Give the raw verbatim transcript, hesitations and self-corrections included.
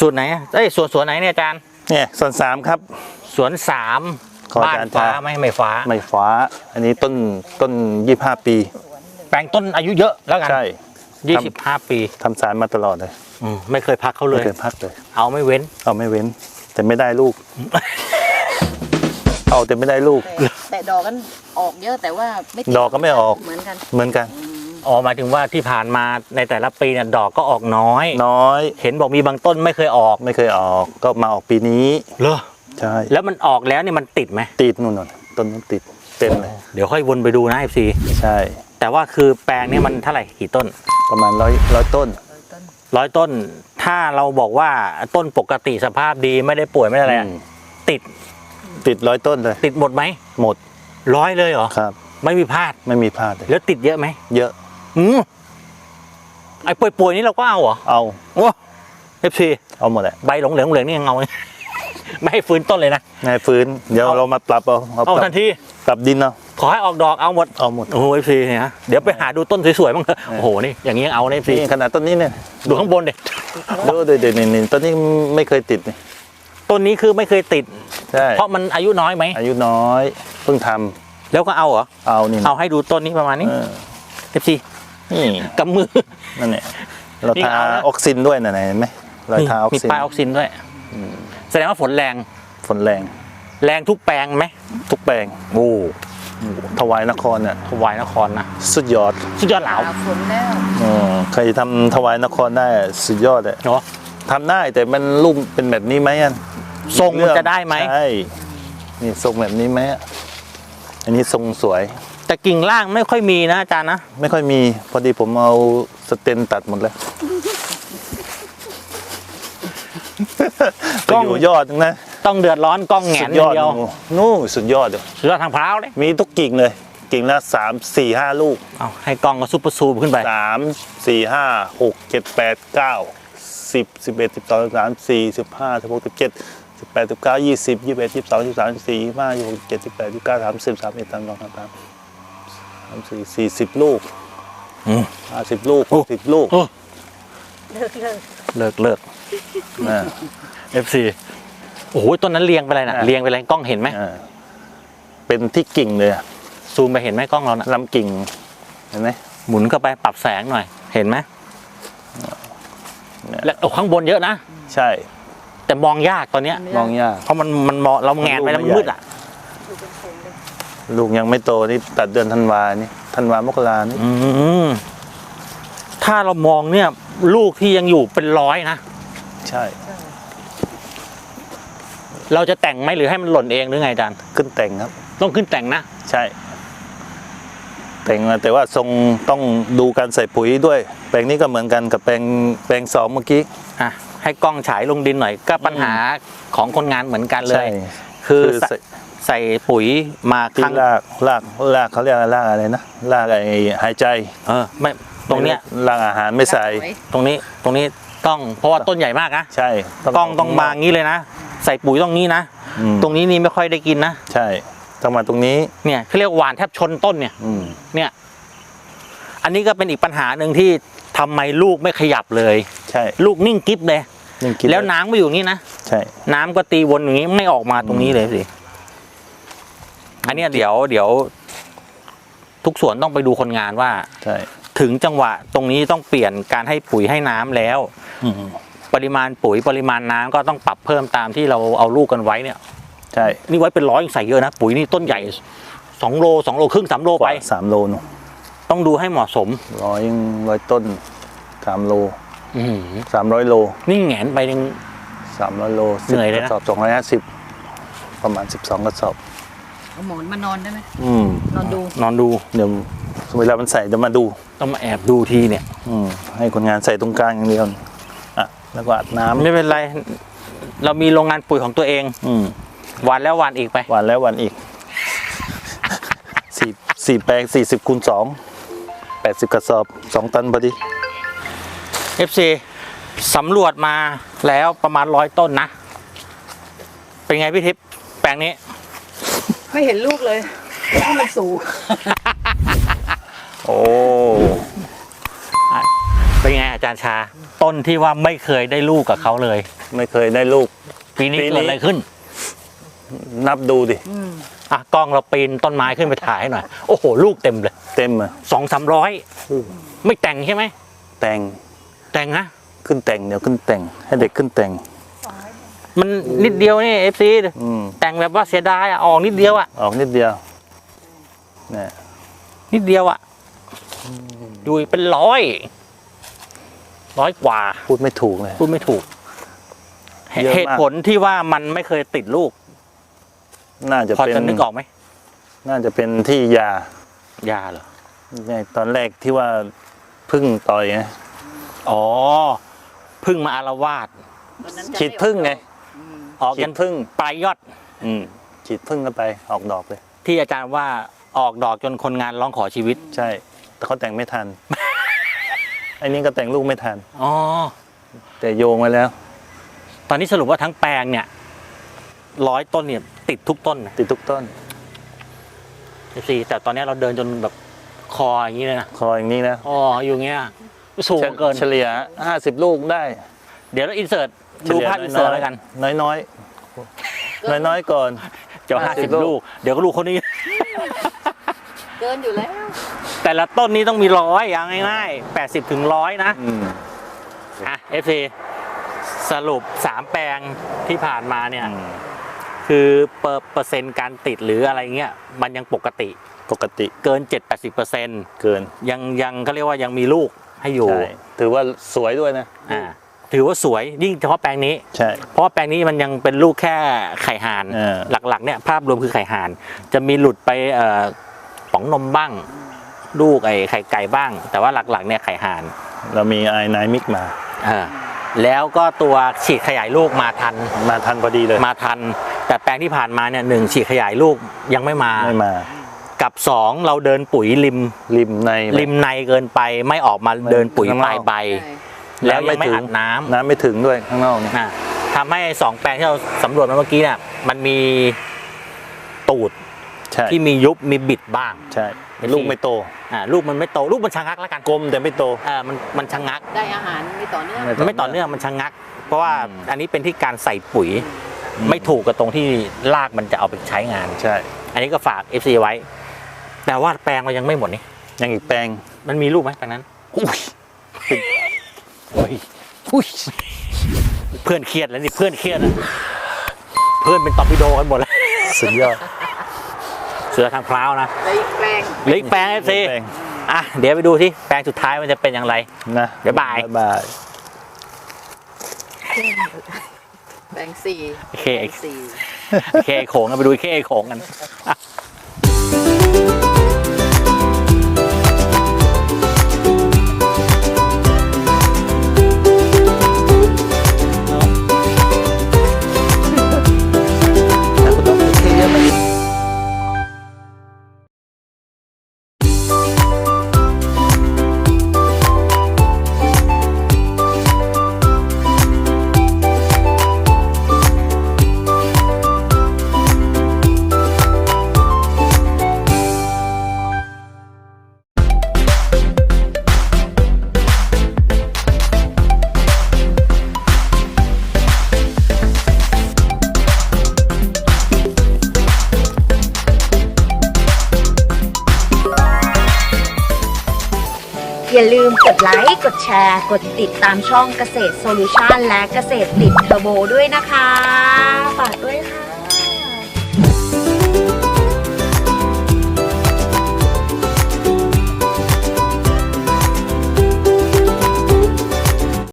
สูตรไหนเอ้ยสวนสวนไหนเนี่ยอาจารย์เนี่ยสวนสามครับสวนสามบ้านฟ้าไหมไม่ฟ้าไม่ฟ้าอันนี้ต้นต้นยี่สิบห้าปีแปลงต้นอายุเยอะแล้วกันใช่ยี่สิบห้าปีทำสารมาตลอดเลยอืมไม่เคยพักเขาเลยไม่เคยพักเลยเอาไม่เว้นเอาไม่เว้นแต่ไม่ได้ลูก เอาแต่ไม่ได้ลูกแต่ดอกกันออกเยอะแต่ว่าไม่ดอกก็ไม่ออกเหมือนกันเหมือนกันอ๋อหมายถึงว่าที่ผ่านมาในแต่ละปีเนี่ยดอกก็ออกน้อยน้อยเห็นบอกมีบางต้นไม่เคยออกไม่เคยออกก็มาออกปีนี้เหรอใช่แล้วมันออกแล้วเนี่ยมันติดไหมติดนู่นๆต้นนั้นติดเต็มเลยเดี๋ยวค่อยวนไปดูนะ เอฟ ซีใช่แต่ว่าคือแปลงนี้มันเท่าไหร่กี่ต้นประมาณร้อยร้อยต้นร้อยต้นถ้าเราบอกว่าต้นปกติสภาพดีไม่ได้ป่วยไม่ได้อะไรติดติดร้อยต้นเลยติดหมดไหมหมดร้อยเลยเหรอครับไม่มีพลาดไม่มีพลาดเลยแล้วติดเยอะไหมเยอะอืมไอ้ป่วยๆนี้เราก็เอาเหรอเอาโอ้เอฟซีเอาหมดแหละใบหลงเหลืองเหลืองนี่ยังเอาไม่ให้ฟื้นต้นเลยนะไม่ให้ฟื้นเดี๋ยวเรามาปรับเอาเอาทันทีปรับดินเอาขอให้ออกดอกเอาหมดเอาหมดโอ้โหเอฟซีเนี่ยเดี๋ยวไปหาดูต้นสวยๆบ้างเถอะโอ้โหนี่อย่างนี้เอาเอฟซีขนาดต้นนี้เนี่ยดูข้างบนดิดูเดี๋ยวเดี๋ยวนี่ต้นนี้ไม่เคยติดนี่ต้นนี้คือไม่เคยติดใช่เพราะมันอายุน้อยไหมอายุน้อยเพิ่งทำแล้วก็เอาเหรอเอานี่เอาให้ดูต้นนี้ประมาณนี้เอฟซีนี่กำมือนั่นเนี่ยเราทาออกซินด้วยนะเห็นไหมเราทาออกซินมีป้ายออกซินด้วยแสดงว่าฝนแรงฝนแรงแรงทุกแปลงไหมทุกแปลงโอ้ถวายนครเนี่ยถวายนครนะสุดยอดสุดยอดเหลาฝนแล้วอ๋อใครทำถวายนครได้สุดยอดเลยเนาะทำได้แต่มันรูปเป็นแบบนี้ไหมอันทรงมันจะได้ไหมใช่นี่ทรงแบบนี้ไหมอันนี้ทรงสวยแต่กิ่งล่างไม่ค่อยมีนะอาจารย์นะไม่ค่อยมีพอดีผมเอาสเตนตัดหมดแล้วกล้องยอดนะต้องเดือดร้อนกล้องแหงนเดียวนู่สุดยอดเลยสุดยอดทางพร้าวเลยมีทุกกิ่งเลยกิ่งละสามสี่ห้าลูกเอาให้กล้องก็ซุปเปอร์ซูมขึ้นไปสามสี่ห้าหกเจ็ดแปดเก้าสิบสิบเอ็ดสิบสองสิบสามสี่สิบห้าสิบหกสิบเจ็ดสิบแปดสิบเก้ายี่สิบยี่สิบเอ็ดยี่สิบสองยี่สิบสามยี่สิบสี่ยี่สิบห้ายี่สิบหกยี่สิบเจ็ดยี่สิบแปดยี่สิบเก้าสามสิบสามเอ็ดสามสองสามสามสามสี่สี่สิบลูกห้าสิบลูกหกสิบลูกเลิกเลิกเลิกเลิกนะเอฟซีโอ้โหต้นนั้นเรียงไปเลยนะเรียงไปเลยกล้องเห็นไหมเป็นที่กิ่งเลยซูมไปเห็นไหมกล้องเรานะลำกิ่งเห็นไหมหมุนเข้าไปปรับแสงหน่อยเห็นไหมและโอ้ข้างบนเยอะนะใช่แต่มองยากตอนเนี้ยมองยากเพราะมันมันมองเราแงนไปแล้วมืดอ่ะลูกยังไม่โตนี่ตัดเดือนธันวานี่ธันวามกรานี่ถ้าเรามองเนี่ยลูกที่ยังอยู่เป็นร้อยนะใช่เราจะแต่งไหมหรือให้มันหล่นเองหรือไงอาจารย์ขึ้นแต่งครับต้องขึ้นแต่งนะใช่แต่งมาแต่ว่าทรงต้องดูการใส่ปุ๋ยด้วยแปลงนี้ก็เหมือนกันกับแปลงแปลงสองเมื่อกี้อ่ะให้กล้องฉายลงดินหน่อยก็ปัญหาของคนงานเหมือนกันเลยคือใส่ปุ๋ยมาข้างรากรากรากเขาเรียกรากอะไรนะรากไอหายใจเออไม่ตรงเนี้ยรากอาหารไม่ใส่ตรงนี้ตรงนี้ต้องเพราะว่าต้นใหญ่มากนะใช่กล้องต้องมางี้เลยนะใส่ปุ๋ยตรงนี้นะตรงนี้นี่ไม่ค่อยได้กินนะใช่ต้องมาตรงนี้เนี่ยเขาเรียกหวานแทบชนต้นเนี่ยเนี่ยอันนี้ก็เป็นอีกปัญหาหนึ่งที่ทำไมลูกไม่ขยับเลยใช่ลูกนิ่งกิ๊บเลยแล้วน้ำก็อยู่นี่นะใช่น้ำก็ตีวนอย่างนี้ไม่ออกมาตรงนี้เลยสิอันนี้เดี๋ยวเดี๋ยวทุกส่วนต้องไปดูคนงานว่าถึงจังหวะตรงนี้ต้องเปลี่ยนการให้ปุ๋ยให้น้ำแล้วปริมาณปุ๋ยปริมาณน้ำก็ต้องปรับเพิ่มตามที่เราเอาลูกกันไว้เนี่ยใช่นี่ไว้เป็นร้อยใส่เยอะนะปุ๋ยนี่ต้นใหญ่สองโลสองโลครึ่งสามโลไปสามโลเนาะต้องดูให้เหมาะสมร้อยร้อยต้นสามโลสามร้อยโลนี่แหงนไปหนึ่งสามร้อยโลเหนื่อยเลยนะกระสอบสองร้อยห้าสิบประมาณสิบสองกระสอบเอาหมอนมานอนได้ไหมอืมนอนดูนอนดูเดี๋ยวเวลามันใส่จะมาดูต้องมาแอบดูทีเนี่ยอืมให้คนงานใส่ตรงกลางอย่างเดียวอ่ะแล้วก็อาบน้ำไม่เป็นไรเรามีโรงงานปุ๋ยของตัวเองอืมวันแล้ววันอีกไปวันแล้ววันอีกสี่สี่แปลงสี่สิบคูณสองแปดสิบกระสอบสองตันพอดีเอฟ ซี สำรวจมาแล้วประมาณร้อยต้นนะเป็นไงพี่ทิพย์แปลงนี้ไม่เห็นลูกเลยเพราะมันสูงโอ้เป็นไงอาจารย์ารย์ชา ต้นที่ว่าไม่เคยได้ลูกกับเขาเลยไม่เคยได้ลูกปีนี้ปีนี้เกิดอะไรขึ้นนับดูดิอืมอ่ะกล้องเราปีนต้นไม้ขึ้นไปถ่ายให้หน่อยโอ้โหลูกเต็มเลยเต็มอ่ะสองสามร้อยไม่แต่งใช่ไหมแต่งแต่งนะขึ้นแต่งเดี๋ยวขึ้นแต่ง ให้เด็กขึ้นแต่งมันนิดเดียวนี่เอฟซีอืมแต่งแบบว่าเสียดายอ่ะออกนิดเดียวอ่ะออกนิดเดียวเนี่ยนิดเดียวอ่ะดูเป็นร้อยร้อยกว่าพูดไม่ถูกเลยพูดไม่ถูกเยอะมากเหตุผลที่ว่ามันไม่เคยติดลูกน่าจะพอเป็นจะนึกออกไหมน่าจะเป็นที่ยายาเหรอเนี่ยตอนแรกที่ว่าพึ่งต่อยไงอ๋อพึ่งมาอารวาสวันนั้นจะฉีดพึ่งไงอืมออกฉียัดนพึ่งปลายยอดอืมฉีดพึ่งเข้าไปออกดอกเลยที่อาจารย์ว่าออกดอกจนคนงานร้องขอชีวิตใช่ แต่เขาแต่งไม่ทัน ไอ้นี่ก็แต่งลูกไม่ทันอ๋อแต่โยงไว้แล้วตอนนี้สรุปว่าทั้งแปลงเนี่ยร้อยต้นเนี่ยติดทุกต้นนะติดทุกต้นสิแต่ตอนนี้เราเดินจนแบบคออย่างนี้เลยนะคออย่างนี้นะอ๋ออยู่อย่างเงี้ยสูงเกินเฉลี่ยห้าสิบลูกได้เดี๋ยวเราอินเสิร์ตดูภาพอินเสิร์ตแล้วกันน้อยน้อยน้อยน้อยๆก่อนเจ้าห้าสิบ 50 ลูก เดี๋ยวก็ลูกคนนี้เกินอยู่แล้วแต่ละต้นนี้ต้องมีร้อยอย่างง่ายๆแปดสิบถึงร้อยนะอืมอ่ะ เอฟ ซี สรุปสามแปลงที่ผ่านมาเนี่ยอืมคือเปอร์เปอร์เซ็นต์การติดหรืออะไรเงี้ยมันยังปกติปกติเกิน เจ็ดถึงแปดสิบเปอร์เซ็นต์เกินยังยังเขาเรียกว่ายังมีลูกให้อยู่ใช่ถือว่าสวยด้วยนะอ่าถือว่าสวยยิ่งเฉพาะแปลงนี้ใช่เพราะว่าแปลงนี้มันยังเป็นลูกแค่ไข่ห่านเออหลักๆเนี่ยภาพรวมคือไข่ห่าน จะมีหลุดไปเอ่อป๋องนมบ้าง ลูกไอ้ไข่ไก่บ้าง แต่ว่าหลักๆเนี่ยไข่ห่านเรามีไอไนมิกมาเออแล้วก็ตัวฉีดขยายลูกมาทันมาทันพอดีเลยมาทัน แต่แปลงที่ผ่านมาเนี่ยหนึ่งฉีดขยายลูกยังไม่มาไม่มากับสองเราเดินปุ๋ยริมริมในริมในเกินไปไม่ออกมาเดินปุ๋ยข้างนปอกลายใบใช่แล้วยังไม่อัดน้ำน้ำไม่ถึงด้วยข้างนอกเนี่ยนะทำให้สองแปลงที่เราสำรวจมาเมื่อกี้เนี่ยมันมีตูดใช่ที่มียุบมีบิดบ้างใช่ลูกไม่โตอ่าลูกมันไม่โตลูกมันชะงักแล้วกันกลมแต่ไม่โตอ่ามันมันชะงักได้อาหารไม่ต่อเนื่องไม่มันไม่ต่อเนื่องมันชะงัก เพราะว่าอืมอันนี้เป็นที่การใส่ปุ๋ย ไม่ถูกกับตรงที่รากมันจะเอาไปใช้งานใช่อันนี้ก็ฝาก เอฟ ซี ไว้ แต่ว่าแปลงเรายังไม่หมดนี่ยังอีกแปลงมันมีลูกไหมแปลงนั้นอุ้ยโอ้ยอุ้ยเพื่อนเครียดแล้วนี่เพื่อนเครียดนะเพื่อนเป็นตอร์ปิโดกันหมดแล้วสุดยอดเสือทางพร้าวนะได้อีกแปลงเหลืออีกแปลง เอฟ ซีแปลงอ่ะเดี๋ยวไปดูที่แปลงสุดท้ายมันจะเป็นอย่างไรนะบ๊ายบายบ๊ายบายแปลงสี่โอเคแปลงสี่เคโขงกันไปดูเคโขงกันอ่ะอย่าลืมกดไลค์ กดแชร์ กดติดตามช่องเกษตรโซลูชันและเกษตรติดเทอร์โบด้วยนะคะฝาก